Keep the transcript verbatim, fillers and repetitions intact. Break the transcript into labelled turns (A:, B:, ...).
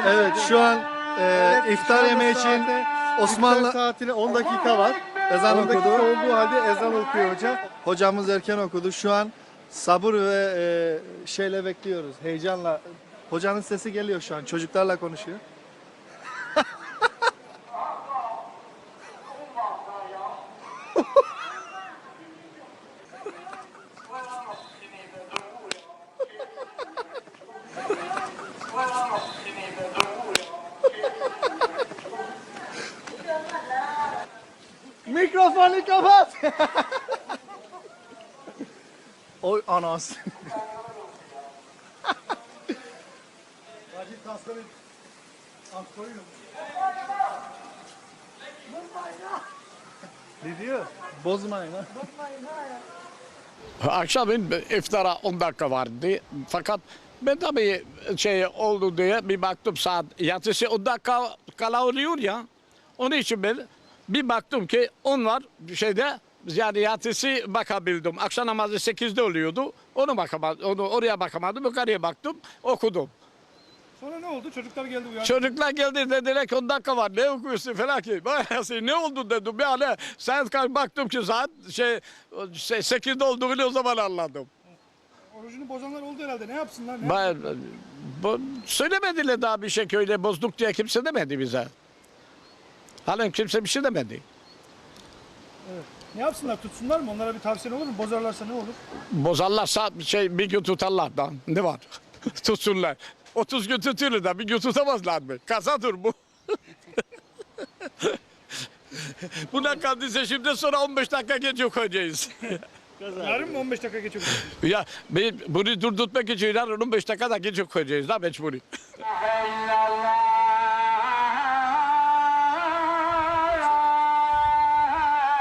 A: Evet, şu an e, iftar yemeği için Osmanlı
B: İftar saatine on dakika var.
A: ezan
B: on dakika
A: okudu.
B: olduğu halde ezan okuyor hoca.
A: Hocamız erken okudu. Şu an sabır ve e, şeyle bekliyoruz. Heyecanla. Hocanın sesi geliyor şu an. Çocuklarla konuşuyor. Mikrofonu kapat. Oy anas.
B: Acil tasları koyun.
A: Ne diyor? Bozmayın ha.
C: Akşamın iftara on dakika vardı. Fakat ben tabii şey oldu diye bir baktım saat yatısı on dakika kala oluyor ya. Onun için ben bir baktım ki onlar şeyde yani yatısı bakabildim. Akşam namazı sekizde oluyordu. Onu bakamadım. Onu oraya bakamadım. Yukarıya baktım. Okudum.
D: Sonra ne oldu? Çocuklar geldi uyandı.
C: Çocuklar geldi dediler ki on dakika var ne okuyorsun falan ki. Ne oldu dedim yani saat kaç baktım ki saat şey şey, sekizde olduğunu o zaman anladım.
D: Orucunu bozanlar oldu herhalde. Ne yapsınlar? Ne
C: Ben, bu, söylemediler daha bir şey köyde bozduk diye kimse demedi bize. Halen kimse bir şey demedi.
D: Evet. Ne yapsınlar? Tutsunlar mı? Onlara bir tavsiyen olur mu? Bozarlarsa ne olur?
C: Bozarlarsa şey bir gün tutarlar da ne var? Tutsunlar. otuz gün tutuyorlar da bir gün tutamazlar mı? Kasadır bu. Buna kaldıysa şimdi sonra on beş dakika geç koyacağız.
D: Yarın mı on beş dakika geçiyor?
C: Ya ben bunu durdurtmak için yarın on beş dakika da geç koyacağız da mecburi.